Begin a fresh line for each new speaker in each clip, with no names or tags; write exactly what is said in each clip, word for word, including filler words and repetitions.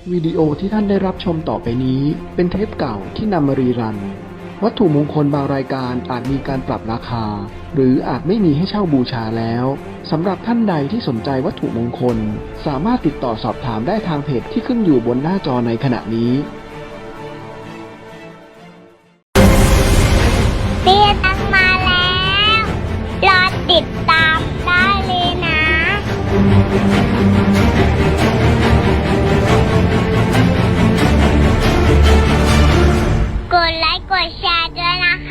วิดีโอที่ท่านได้รับชมต่อไปนี้เป็นเทปเก่าที่นำมารีรันวัตถุมงคลบางรายการอาจมีการปรับราคาหรืออาจไม่มีให้เช่าบูชาแล้วสำหรับท่านใดที่สนใจวัตถุมงคลสามารถติดต่อสอบถามได้ทางเพจที่ขึ้นอยู่บนหน้าจอในขณะนี้
เตี้ยตังมาแล้ว รอติดตามได้เลยนะ กดไลค์กดแชร์ด้วยนะคะ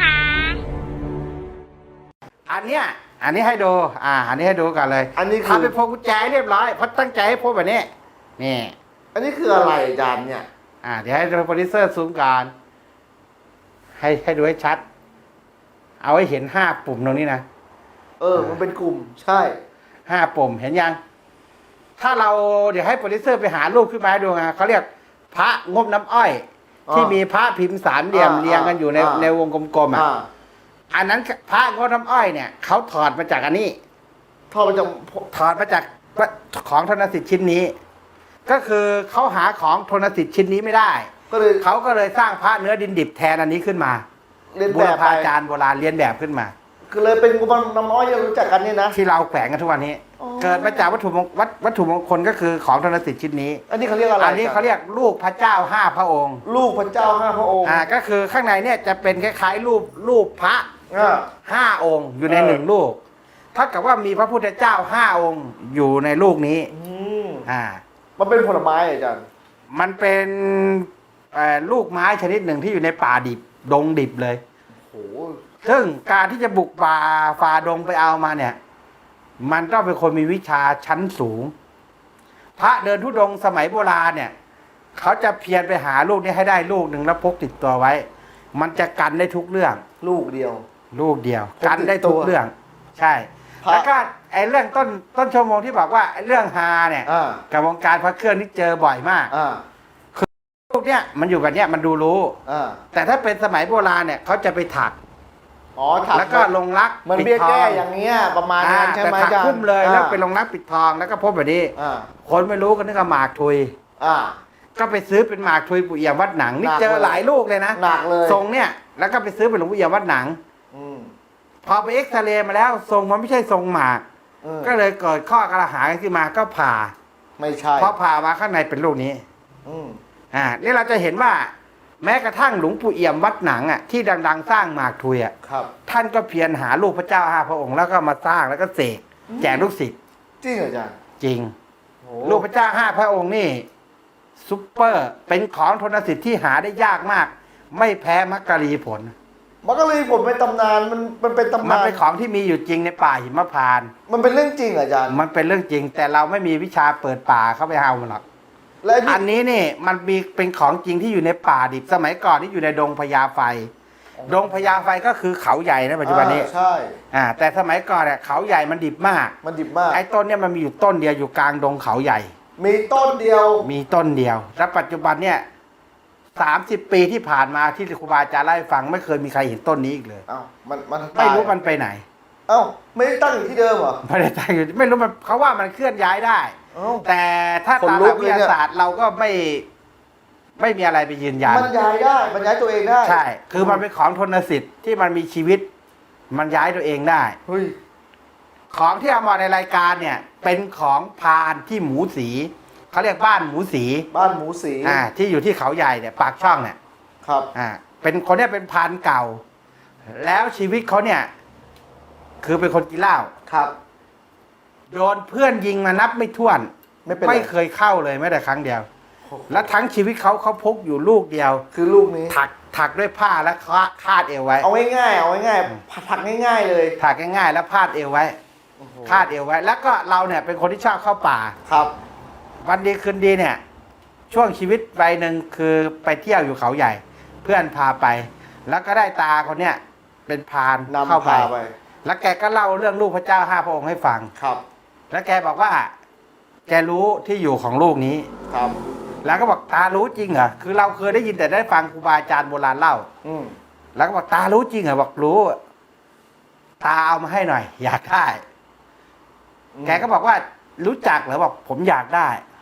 อันเนี้ยอันนี้ให้ดูอ่าอันนี้ให้ดูกันเลย
อันนี้คือ
ทำเป็นพวงกุญแจเรียบร้อยเพราะตั้งใจให้พวกแบบนี้นี่
อันนี้คืออะไรอาจารย์เนี่ย
อ่าเดี๋ยวให้โปรดิวเซอร์ซูมการให้ให้ดูให้ชัด เอาให้เห็นห้าปุ่มตรงนี้นะ
เออ มันเป็นกลุ่ม ใช่
ห้าปุ่มเห็นยัง ถ้าเราเดี๋ยวให้โปรดิวเซอร์ไปหารูปขึ้นมาให้ดูไงเขาเรียกพระงบน้ำอ้อย ที่มีพระพิมพ์สามเหลี่ยมเรียงกันอยู่ในในวงกลมๆอ่ะ
อ่า
อันนั้นพระงบน้ำอ้อยเนี่ยเขาถอดมาจากอันนี้
ทอดมาจาก
ถอดมาจากของธนสิทธิ์ชิ้นนี้ ก็คือเขาหาของธนสิทธิ์ชิ้นนี้ไม่ได้
ก็เลย
เขาก็เลยสร้างพระเนื้อดินดิบแทนอันนี้ขึ้นมา
เรียน
บู
แบ
ร
บไป
พาจารย์โบราณเรียนแบบขึ้นมา
คือเลยเป็นกุมารน้ำน้อยที่เรารู้จักกันเนี่ยนะ
ที่เราแขวนกันทุกวันนี้
อ๋อ
เกิดมาจากวัตถุมงวัตวัตถุมงคลก็คือของธนสิทธิ์ชิ้นนี้
อันนี้เขาเรียกอะไร
อันนี้เขาเรียกลูกพระเจ้าห้าพระองค์
ลูกพระเจ้าห้าพระองค์
อ่าก็คือข้างในเนี่ยจะเป็นคล้ายๆรูปรูปพระ
อ่า
ห้าองค์อยู่ใน
เออ
หนึ่งลูกถ้ากับว่ามีพระพุทธเจ้าห้าองค์อยู่ในลูกนี้
อืม
อ่า
มันเป็นผลไม้อาจารย์
มันเป็นเอ่อลูกไม้ชนิดหนึ่งที่อยู่ในป่าดิบดงดิบเลย
โอ้โห
ซึ่งการที่จะบุกป่าฝ่าดงไปเอามาเนี่ย มันต้องเป็นคนมีวิชาชั้นสูง พระเดินทุดงค์สมัยโบราณเนี่ย เขาจะเพียรไปหาลูกนี้ให้ได้ลูกหนึ่งแล้วพกติดตัวไว้ มันจะกันได้ทุกเรื่อง
ลูกเดียว
ลูกเดียว
พกติดตัว
กันได้ทุกเรื่อง ใช่
พระ
แล้วก็ไอ้เรื่องต้นต้นชั่วโมงที่บอกว่าไอ้เรื่องฮาเนี่ย
อ่า
กับวงการพระเครื่องนี่เจอบ่อยมาก
อ่า
ลูกเนี่ยมันอยู่แบบเนี้ยมันดูรู้
อ่า
แต่ถ้าเป็นสมัยโบราณเนี่ยเขาจะไปถัก
อ๋อถัก
แล้วก็ลงรัก
มัน
ปิด
เบี้ย
ทอ
แก้
ง
อย่างเงี้ยประมาณนั้นใช่ไหม
แต่ถั
อาก จารย์
คุ้มเลยแล้ว
อ่า
ไปลงรักปิดทองแล้วก็พบแบบนี้
อ่า
คนไม่รู้ก็นึกว่าหมากทุย
อ่า
ก็ไปซื้อเป็นหมากทุยปู่เอี่ยมวัดหนังนี่
หนัก
เจอ
เลย
หลายลูกเลยนะ
หนักเลย
ทรงเนี่ยแล้วก็ไปซื้อเป็นหลวงปู่เอี่ยมวัดหนัง
อืม
พอไปเอ็กซเรย์มาแล้วทรงมันไม่ใช่ทรงหมาก
อืม
ก็เลยเกิดข้อกระหายขึ้นมาก็ผ่า
ไม่ใช่
พอผ่ามาข้างในเป็นลูกนี้
อืม
อ่านี่เราจะเห็นว่า แม้กระทั่งหลวงปู่เอี่ยมวัดหนังอ่ะที่ดังๆ สร้างหมากทุยอ่ะ
ครับ
ท่านก็เพียรหาลูกพระเจ้าห้าพระองค์แล้วก็มาสร้างแล้วก็เสกแจกลูกศิษย์
จริงเหรออาจารย์
จริง
โอ้
ลูกพระเจ้าห้าพระองค์นี่ซุปเปอร์เป็นของธนสิทธิ์ที่หาได้ยากมาก ไม่แพ้มักกะลีผล
มันก็เลยผมเป็นตำนานมันมันเป็นตำ
มัน
นาน
เป็นของที่มีอยู่จริงในป่าหิมพานต์
มันเป็นเรื่องจริงเหรออาจารย์
มันเป็นเรื่องจริง แต่เราไม่มีวิชาเปิดป่าเข้าไปเอามันหรอก
และ
อันนี้นี่มันมีเป็นของจริงที่อยู่ในป่าดิบสมัยก่อนที่อยู่ในดงพญาไฟ ดงพญาไฟก็คือเขาใหญ่นะปัจจุบันนี้
อ่าใช่
อ่าแต่สมัยก่อนเนี่ยเขาใหญ่มันดิบมาก
มันดิบมาก
ไอ้ต้นเนี่ยมันมีอยู่ต้นเดียวอยู่กลางดงเขาใหญ่
มีต้นเดียว
มีต้นเดียว แล้วปัจจุบันเนี่ยสามสิบปีที่ผ่านมาที่ครูบาอาจารย์เล่าให้ฟังไม่เคยมีใครเห็นต้นนี้อีกเลย
เอ้ามันมัน
ไม่รู้
ตาย
มันไปไหน
เอ้าไม่ได้ตั้งอยู่ที่เดิมเหรอ
ไม่ได้ตั้งอยู่ไม่รู้มันเขาว่ามันเคลื่อนย้ายได้
เอ้า
แต่ถ้า
ขน
ตาม
ลุ
หลั
ก
ก
เลย
วิท
เนี่ย
ยาศาสตร์เราก็ไม่ไม่มีอะไรไปยืนยัน
มันย้ายได้มันย้ายตัวเองได้
ใช่ คือมันเป็นของทนสิทธิ์ที่มันมีชีวิต มันย้ายตัวเองได้
เฮ้ย
ของที่เอามาในรายการเนี่ย เป็นของพานที่หมูสีเขาเรียกบ้านหมูสี
บ้านหมูสี
อ่าที่อยู่ที่เขาใหญ่เนี่ยปากช่องเนี่ย
ครับ
อ่าเป็นคนเนี่ยเป็นพานเก่า แล้วชีวิตเขาเนี่ย คือเป็นคนกินเหล้า
ครับ
โดนเพื่อนยิงมานับไม่ถ้วน
ไม่เป็นไร
ไม่เคยเข้าเลยแม้แต่ครั้งเดียว และทั้งชีวิตเขาเขาพกอยู่ลูกเดียว
คือลูกนี้
ถักถักด้วยผ้าแล้วคาคาดเอวไว้
เอาง่ายๆเอาง่ายๆผักง่าย ๆเลย
ถักง่ายๆแล้วพาดเอวไว้
โอ้โห
คาดเอวไว้ แล้วก็เราเนี่ยเป็นคนที่ชอบเข้าป่า
ครับ
วันดีคืนดีเนี่ย ช่วงชีวิตวัยหนึ่งคือไปเที่ยวอยู่เขาใหญ่ เพื่อนพาไป แล้วก็ได้ตาคนเนี้ยเป็นพราน
นำ
เข้าไป
พาไป
แล้วแกก็เล่าเรื่องลูกพระเจ้าห้าพระองค์ให้ฟัง
ครับ
แล้วแกบอกว่า แกรู้ที่อยู่ของลูกนี้
ครับ
แล้วก็บอกตารู้จริงเหรอคือเราเคยได้ยินแต่ได้ฟังครูบาอาจารย์โบราณเล่า
อืม
แล้วก็บอกตารู้จริงเหรอบอกรู้ ตาเอามาให้หน่อย อยากได้ แกก็บอกว่ารู้จักเหรอบอกผมอยากได้อืม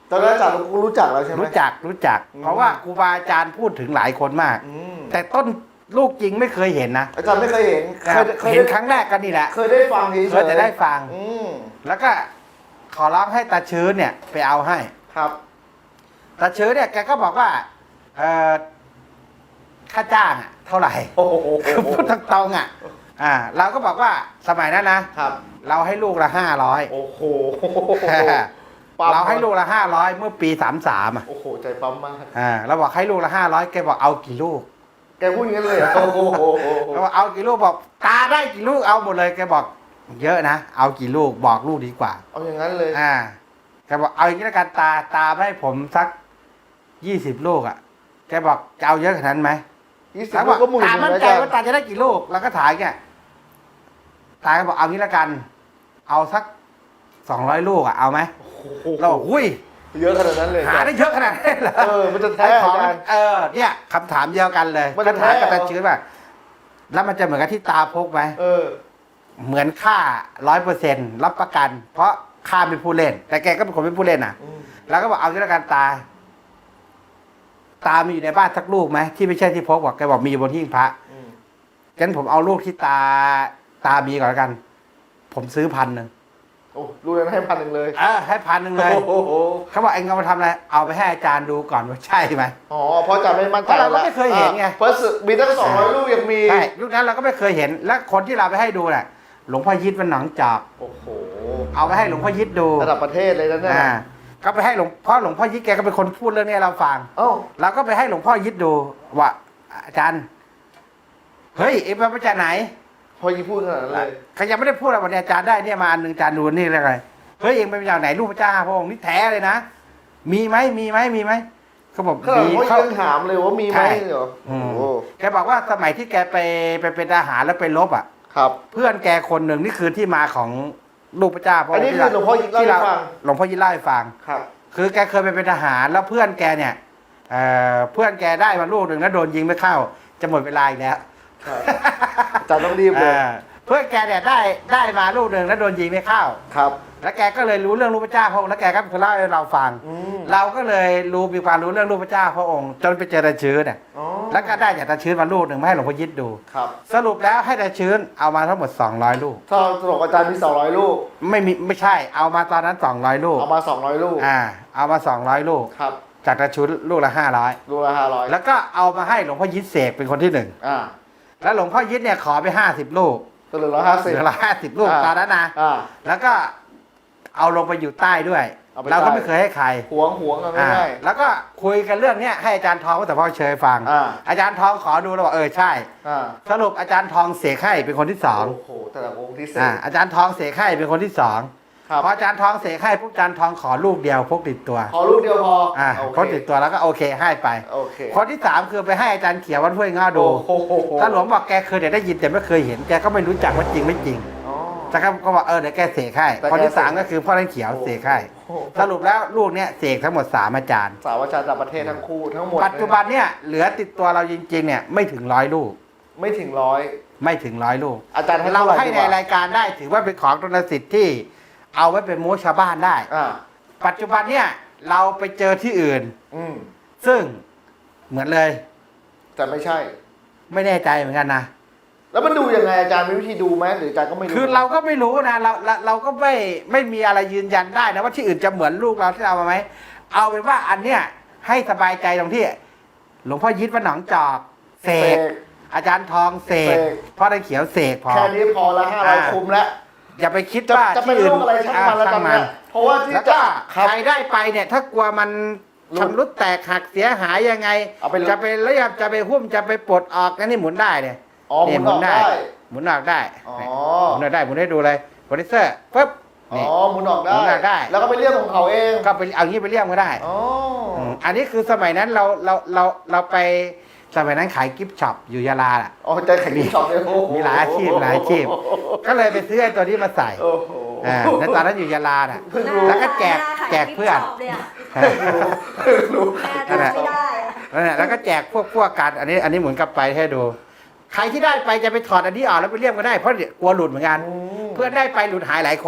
ตอนนั้นอาจารย์รู้จักแล้วใช่ไหม
รู้จักรู้จัก
อืม
เพราะว่าครูบาอาจารย์พูดถึงหลายคนมาก
อืม
แต่ต้นลูกจริงไม่เคยเห็นนะ
อาจารย์ไม่เคยเห็น
นะครับ
เคย
เห็น
ได้
ครั้งแรกกันนี่แหละ
เคยได้ฟังเฉยๆ
เคยแต่ได้ฟัง
อืม
แล้วก็ขอร้องให้ตาชื้นเนี่ยไปเอาให้
ครับ
ตาชื้นเนี่ยแกก็บอกว่าเอ่อค่าจ้างอะเท่าไหร่
โอ้โห
คือพูดตรงๆอ่ะ อ่า เราก็บอกว่าสมัยนั้นนะ
ครับ
เราให้ลูกละห้าร้อย
โอ้โห
เราให้ลูกละห้าร้อยเมื่อปีสามสามอ่ะ
โอ้โหใจปั๊มมาก
อ่าเราบอกให้ลูกละห้าร้อยแกบอกเอากี่ลูก
แกพูดอย่างนั้นเลยเหรอโอ้โห
เราบอกเอากี่ลูกบอกตาได้กี่ลูกเอาหมดเลยแกบอกเยอะนะเอากี่ลูกบอกลูกดีกว่า
เอาอย่างนั้นเลย
อ่าแกบอกเอาอย่างนี้แล้วกันตาตาให้ผมสักยี่สิบลูกอ่ะแกบอกจะเอาเยอะขนาดนั้นไหม
ยี่สิบ
แล้วบ
ลู
อก
กก็หมื่น
ตา
หนึ่ง
มั่น
นะ
ใจ
อาจาร
ว่า
ย์
ตาจะได้กี่ลูกเราก็ถ่ายแกตาก็บอกเอางี้แล้วกัน เอาสักสองร้อยลูกอ่ะเอาไหม
โอ้โห
เราบอกอุ้ย
เยอะขนาดนั้นเลย
หาได้เยอะขนาดนั้นเหรอ
เออมันจะแท้
ไอ้ของ
อาจารย์
เออเนี่ยคำถามเดียวกันเลย
มันจะ
ก็ถามกับ
แท้
ตาชื้นว่าแล้วมันจะเหมือนกับที่ตาพกไหม
เออ
เหมือนค่าร้อยเปอร์เซ็นต์รับประกัน เพราะค่าเป็นผู้เล่น แต่แกก็เป็นคนเป็นผู้เล่นอ่ะ
อืม
แล้วก็บอกเอางี้แล้วกันตา ตามีอยู่ในบ้านสักลูกไหมที่ไม่ใช่ที่พกบอกแกบอกมีอยู่บนหิ้งพระ
อืม
งั้นผมเอาลูกที่ตาตามีก่อนแล้วกัน ผมซื้อพันหนึ่ง
โอ้ลูกนั้นให้พันหนึ่งเลย
เออให้พันหนึ่งเลย
โอ้โห
เขาบอกเองเอามาทำอะไรเอาไปให้อาจารย์ดูก่อนว่าใช่ไหม
อ๋อเพราะอาจารย์ไม่มั่นใจ
เพราะเราก็ไม่เคยเห็นไง
อ่ะเพราะสึกมีตั้งสองร้อยลูกยังมี
ใช่ยุคนั้นเราก็ไม่เคยเห็น และคนที่เราไปให้ดูน่ะ หลวงพ่อยิดมันหนองจอก
โอ้โห
เอาไปให้หลวงพ่อยิดดู
ระดับประเทศเลยนะเนี่ย
อ่าก็ไปให้หลวงพ่อหลวงพ่อยิดแกก็เป็นคนพูดเรื่องนี้ให้เราฟัง
เอ้า
เราก็ไปให้หลวงพ่อยิดดูว่าอาจารย์ เฮ้ยเอ็มมาจากไหน
พอยีพูดขนาดนั้นเลย
เขายังไม่ได้พูดอะไรวันนี้อาจารย์ได้เนี่ยมาอันหนึ่งอาจารย์ดูนี่อะไรเฮ้ยเอ็งไปจากไหนรูปพระเจ้าพระองค์นี่แท้เลยนะมีไหมมีไหมมีไหมเขาบอก
ขนาด
มี
ว่า
เขา
ยังถามเลยว่ามีไหม
ใช่
เหรอ
อื
โอ้
ม
โห
แกบอกว่าสมัยที่แกไปไปเป็นทหารแล้วไปรบอ่ะ
ครับ
เพื่อนแกคนหนึ่งนี่คือที่มาของรูปพระเจ้าพระ
อั
อน ง
นี้
ค์
คือหลวงพ่อยิงเล่า
ที่
ให้
เรา
ฟัง
หลวงพ่อยิดเล่าให้ฟัง
ครับ
คือแกเคยไปเป็นทหารแล้วเพื่อนแกเนี่ยเอ่อเพื่อนแกได้มาลูกหนึ่งแล้วโดนยิงไม่เข้า จะหมดเวลาอีกแล้ว
ครับอาจารย์ต้องรีบเลย
เออเพื่อนแกเนี่ยได้ได้มาลูกหนึ่งแล้วโดนยิงไม่เข้า
ครับ
แล้วแกก็เลยรู้เรื่องรูปพระเจ้าพระองค์แล้วแกก็เคยเล่าให้เราฟัง
อืม
เราก็เลยรู้มีความรู้เรื่องรูปพระเจ้าพระองค์ จนไปเจอตาชื้นเนี่ย
อ๋อ
แล้วก็ได้จากตาชื้นมาลูกหนึ่งมาให้หลวงพ่อยิดดู
ครับ
สรุปแล้วให้ตาชื้นเอามาทั้งหมดสองร้อยลูก
ถ้าตลกอาจารย์มีสองร้อยลูก
ไม่มีไม่ใช่ เอามาตอนนั้นสองร้อยลูก
เอามาสองร้อยลูก
อ่า เอามาสองร้อยลูก
ครับ
จากตาชื้นลูกละห้าร้อย
ลูกละห้าร้อย
แล้วก็เอามาให้หลวงพ่อยิดเสกเป็นคนที่หนึ่ง
อ่า
แล้วหลวงพ่อยิดเนี่ยขอไปห้าสิบลูก
ก็เหลือร้อยห้า
เห
สิบ
ลือละห้าสิบลูก
อ่า
ตอนนั้นนะ
อ่า
แล้วก็เอาลงไปอยู่ใต้ด้วย
เอาไป
เราก็
ใต้
ไม่เคยให้ใคร
หวงหวงกันไม่
อ่า
ได้
แล้วก็คุยกันเรื่องเนี้ยให้อาจารย์ทองแต่พ่อเชยฟัง
อ่า
อาจารย์ทองขอดูแล้วบอกเออใช่
อ่า
สรุปอาจารย์ทองเสกให้เป็นคนที่สอง
โอ้โหแต่ละองค์ที่เส
อ่าก อาจารย์ทองเสกให้เป็นคนที่สอง
ครับ
พออาจารย์ทองเสกให้พวกอาจารย์ทองขอลูกเดียวพกติดตัว
ขอลูกเดียวพอ
อ่า
โอ
พก
เค
ติดตัวแล้วก็โอเคให้ไป
โอเค
คนที่สามคือไปให้อาจารย์เขียววัดห้วยง้อดู
โอ้โห
ถ้าหลวงบอกแกเคยแต่ได้ยินแต่ไม่เคยเห็นแกก็ไม่รู้จักว่าจริงไม่จริง
อ๋อ
แต่ก็ก็บอกเออเดี๋ยวแกเสกให้
แต่แก
คนที่สามก็คือพ่อท่านเขียวเสกให้
โอ้โห
สรุปแล้วลูกเนี้ยเสกทั้งหมดสามอาจารย์
สาวอาจารย์ต่างประเทศทั้งคู่ทั้งหมด
ปัจจุบันเนี่ยเหลือติดตัวเราจริงๆเนี่ยไม่ถึงร้อยลูก
ไม่ถึงร้อย
ไม่ถึงร้อยลูก
อาจารย์ให้
เรา
เท่าไหร่
ให้
ดี
ใน
กว่าร
ายการได้ถือว่าเป็นของตนสิทธิ์ที่เอาไว้เป็นโม้ชาวบ้านได้
อ่า
ปัจจุบันเนี่ยเราไปเจอที่อื่น
อืม
ซึ่งเหมือนเลย
แต่ไม่ใช่
ไม่แน่ใจเหมือนกันนะ
แล้วมันดูยังไงอาจารย์มีวิธีดูไหมหรืออาจารย์ก็ไม่รู้
คือเราก็ไม่รู้นะเราเราเราก็ไม่ไม่มีอะไรยืนยันได้นะว่าที่อื่นจะเหมือนลูกเราที่เรามาไหมเอาเป็นว่าอันเนี้ยให้สบายใจตรงที่ หลวงพ่อยิดวัดหนองจอกเส
เส
ก
ก
อาจารย์ทองเสก
เสก
พ่อท่านเขียวเสกพอ
แค่นี้พอละห้าร้อย
อ่า
คุ้มแล้ว
อย่าไปคิด
จะ
ว่า
จะเป็น
ที่อื่
โรคอะไรช่างมันแล้วตอนเนี้ยเพราะว่าที่
แล้ว
จะ
ก็
ครับ
ใครได้ไปเนี่ยถ้ากลัวมัน
หลุด
ชำรุดแตกหักเสียหายยังไง
เอาไป
จะไปเรียบจะไปหุ้มจะไปปลดออกนั่นนี่หมุนได้เนี่ย
อ๋อหมุนออกได้
หมุนออกได้
อ๋อ
หมุนออกได้หมุนให้ดูเลยโปรดิวเซอร์ปุ๊บ
อ๋อ
นี่
หมุนออกได้
หมุนออกได้
แล้วก็ไปเรียกของเขาเอง
ก็ไปเอางี้ไปเรียกก็ได้
อ๋ออ
มอันนี้คือสมัยนั้นเราเราเราเราไปสมัยนั้นขายกิฟต์ช็อปอยู่ยาลาแหละ
อ๋อใจแข็งที่ช็อปเลยโอ้โ
มีหลายอาชีพหลายอาชีพ ก็เลยไปซื้อไอ้ตัวนี้มาใส่
โอ้โห
อ่าในตอนนั้นอยู่ยาลาน่ะ
เพิ่งรู้
แล้วก็แจกแจกเพื่อน
เพิ่งรู้
นั่นแหละ
ไม่ได้อะ
นั่นแหละแล้วก็แจกพวกพวกกันอันนี้อันนี้หมุนกลับไปให้ดู ใครที่ได้ไปจะไปถอดอันนี้ออกแล้วไปเรียกก็ได้เพราะเดี๋ยวกลัวหลุดเหมือนกัน
อืม
เพื่อนได้ไปหลุดหายหลายคน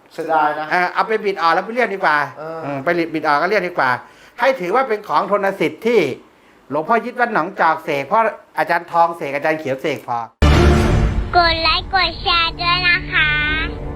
เสียดายนะ
เอ่อเอาไปบิดออกแล้วไปเรียกดีกว่า
เอออื
มไปบิดออกก็เรียกดีกว่า ให้ถือว่าเป็นของทนสิทธิ์ที่หลวงพ่อยึดวัดหนองจอกเสกเพราะอาจารย์ทองเสกอาจารย์เขียวเสกพอ
กดไลค์กดแชร์ด้วยนะคะ